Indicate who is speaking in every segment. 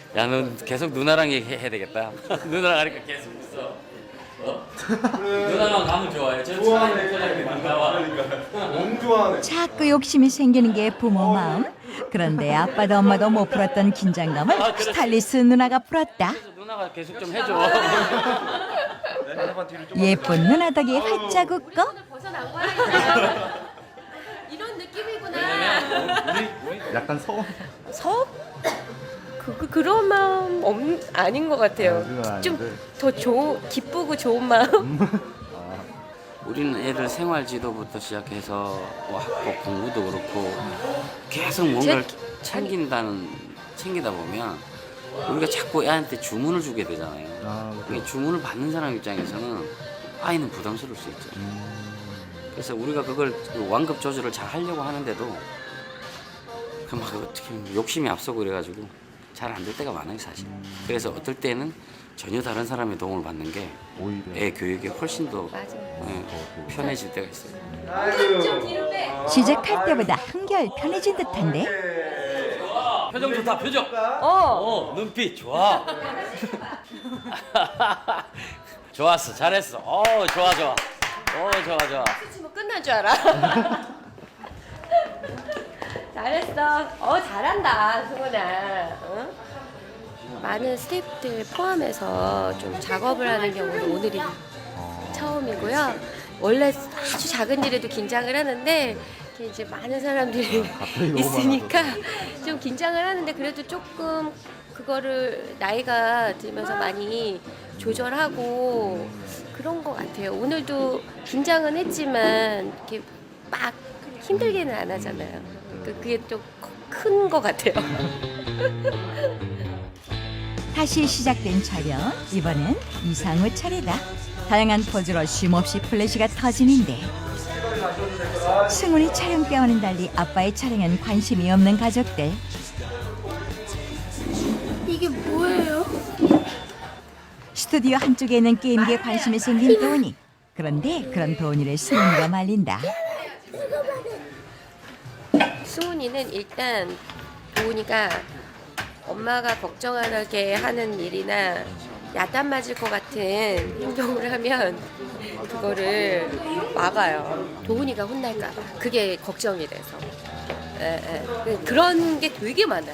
Speaker 1: 야, 넌 계속 누나랑 얘기해야 되겠다. 누나랑 하니까 계속 있어. 누나랑 가면 좋아해. 저
Speaker 2: 좋아하네.
Speaker 1: 반가워.
Speaker 2: 너무 좋아하네.
Speaker 3: 자꾸 욕심이 생기는 게 부모 마음. 그런데 아빠도 엄마도 못 풀었던 긴장감을 스타일리스트 누나가 풀었다.
Speaker 1: 누나가 계속 좀 해줘.
Speaker 3: 예쁜 누나 덕이 활짝 웃고
Speaker 4: 벗어난 거야. 이런 느낌이구나.
Speaker 2: 약간 서운.
Speaker 4: 서? 그런 마음 아닌 것 같아요.
Speaker 2: 그건 아닌데.
Speaker 4: 좀 더 기쁘고 좋은 마음.
Speaker 1: 우리는 애들 생활 지도부터 시작해서 뭐 학교 공부도 그렇고 계속 뭔가를 챙기다 보면 우리가 자꾸 애한테 주문을 주게 되잖아요. 그게 주문을 받는 사람 입장에서는 아이는 부담스러울 수 있죠. 그래서 우리가 그걸 완급 조절을 잘 하려고 하는데도 막 어떻게 욕심이 앞서고 그래가지고 잘 안 될 때가 많아요, 사실. 그래서 어떨 때는 전혀 다른 사람의 도움을 받는 게
Speaker 2: 오히려.
Speaker 1: 애 교육에 훨씬 더
Speaker 4: 맞아요.
Speaker 1: 편해질 때가 있어요.
Speaker 4: 좀 뒤로 빼.
Speaker 3: 시작할 때보다 한결 편해진 듯한데
Speaker 1: 표정 좋다, 표정. 눈빛 좋아. 좋았어, 잘했어. 좋아. 좋아.
Speaker 4: 치면 끝난 줄 알아. 잘했어. 잘한다, 승훈아. 응? 많은 스태프들 포함해서 좀 작업을 하는 경우는 오늘이 처음이고요. 원래 아주 작은 일에도 긴장을 하는데 이렇게 이제 많은 사람들이
Speaker 2: 너무
Speaker 4: 있으니까 좀 긴장을 하는데 그래도 조금 그거를 나이가 들면서 많이 조절하고 그런 것 같아요. 오늘도 긴장은 했지만 이렇게 막 힘들게는 안 하잖아요. 그게 또 큰 것 같아요.
Speaker 3: 다시 시작된 촬영. 이번엔 이상우 차례다. 다양한 포즈로 쉼없이 플래시가 터지는데 승훈이 촬영 때와는 달리 아빠의 촬영엔 관심이 없는 가족들.
Speaker 5: 이게 뭐예요?
Speaker 3: 스튜디오 한쪽에 있는 게임기에 관심이 생긴 도훈이. 그런데 그런 도훈이를 승훈이가 말린다.
Speaker 4: 승훈이는 일단 도훈이가 엄마가 걱정하게 하는 일이나 야단 맞을 것 같은 행동을 하면 그거를 막아요. 도훈이가 혼날까 봐. 그게 걱정이 돼서. 그런 게 되게 많아요.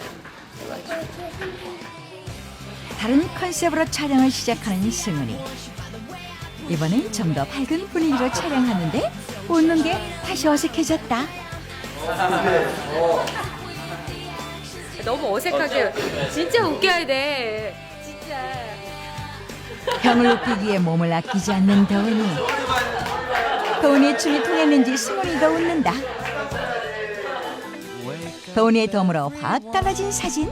Speaker 3: 다른 컨셉으로 촬영을 시작하는 승훈이. 이번엔 좀 더 밝은 분위기로 촬영하는데 웃는 게 다시 어색해졌다.
Speaker 4: 너무 어색하게 진짜 웃겨야 돼. 진짜.
Speaker 3: 형을 웃기기 위해 몸을 아끼지 않는 도훈이. 도훈이의 춤이 통했는지 승훈이도 웃는다. 도훈이의 도움으로 확 달라진 사진.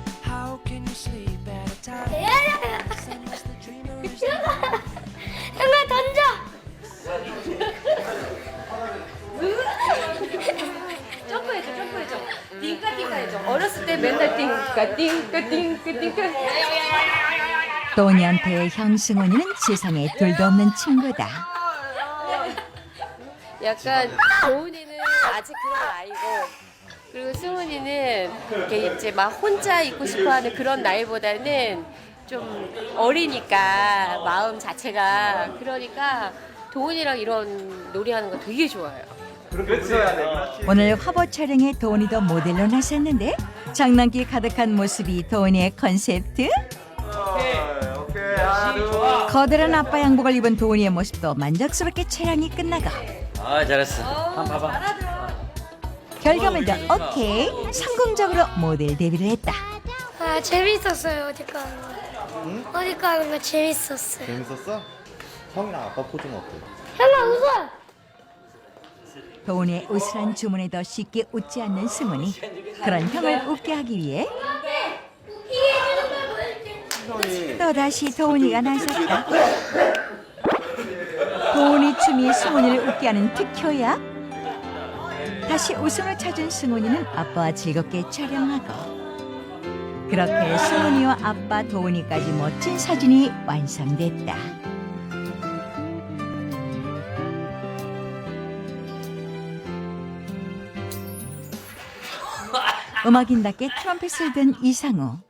Speaker 5: 형아 던져.
Speaker 4: 점프해줘. 띵까띵까 해줘. 어렸을 때 맨날 띵까.
Speaker 3: 도훈이한테 형 승훈이는 세상에 둘도 없는 친구다.
Speaker 4: 약간 도훈이는 아직 그런 나이고 그리고 승훈이는 이렇게 이제 막 혼자 있고 싶어하는 그런 나이보다는 좀 어리니까 마음 자체가 그러니까 도훈이랑 이런 놀이하는 거 되게 좋아해요.
Speaker 3: 오늘 화보 촬영에 도훈이도 모델로 나섰는데 장난기 가득한 모습이 도훈이의 컨셉트. 거대한 아빠 양복을 입은 도훈이의 모습도 만족스럽게 촬영이 끝나고
Speaker 1: 잘했어. 한번 봐봐.
Speaker 3: 결과물도 오케이. 성공적으로 모델 데뷔를 했다.
Speaker 5: 아 재밌었어요 어디 가는 거. 어디 가는 거 재밌었어요.
Speaker 2: 재밌었어? 형이랑 아빠 포즈는 어때?
Speaker 5: 형아 웃어.
Speaker 3: 도훈이의 으스란 주문에도 쉽게 웃지 않는 승훈이. 그런 형을 웃게 하기 위해 또다시 도훈이가 나섰다. 도훈이 춤이 승훈이를 웃게 하는 특효야. 다시 웃음을 찾은 승훈이는 아빠와 즐겁게 촬영하고 그렇게 승훈이와 아빠 도훈이까지 멋진 사진이 완성됐다. 음악인답게 트럼펫을 든 이상우.